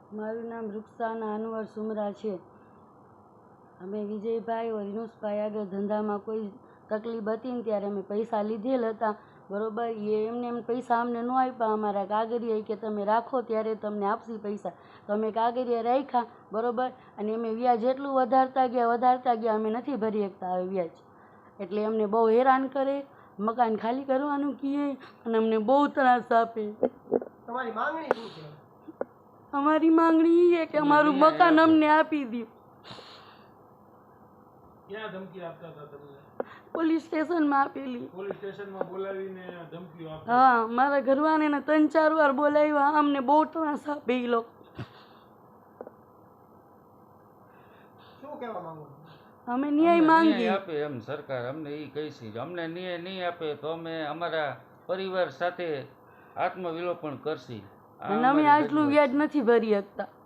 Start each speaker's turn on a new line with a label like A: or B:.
A: મારું નામ રૂકસાના અનવર સુમરા છે. અમે વિજયભાઈ વિનુષભાઈ આગળ ધંધામાં કોઈ તકલીફ હતી ને ત્યારે અમે પૈસા લીધેલ હતા, બરાબર. એમને એમ પૈસા અમને ન આપ્યા, અમારા કાગળિયા કે તમે રાખો ત્યારે તમને આપશી પૈસા. તો અમે કાગળિયા રાખ્યા, બરાબર. અને અમે વ્યાજ એટલું વધારતા ગયા અમે નથી ભરી શકતા હવે વ્યાજ. એટલે અમને બહુ હેરાન કરે, મકાન ખાલી કરવાનું કહે અને અમને બહુ ત્રાસ આપે.
B: તમારી માંગણી શું છે?
A: અમારી માંગણી એ છે કે અમારું મકાન અમને આપી દો.
B: ક્યાં ધમકી આપતા હતા તમને?
A: પોલીસ સ્ટેશનમાં આપેલી.
B: પોલીસ સ્ટેશનમાં બોલાવીને ધમકીઓ આપતા?
A: હા, મારા ઘરવાળાને 3-4 વાર બોલાવ્યા. અમને બહુ ત્રાસ આપે એ લોકો.
B: શું કહેવા માંગો?
A: અમે ન્યાય માંગીએ.
C: આપે એમ સરકાર અમને એ કહી છે. અમને ન્યાય નહીં આપે તો અમે અમારા પરિવાર સાથે આત્મવિલોપન કરશી.
A: અને અમે આટલું વ્યાજ નથી ભરી શકતા.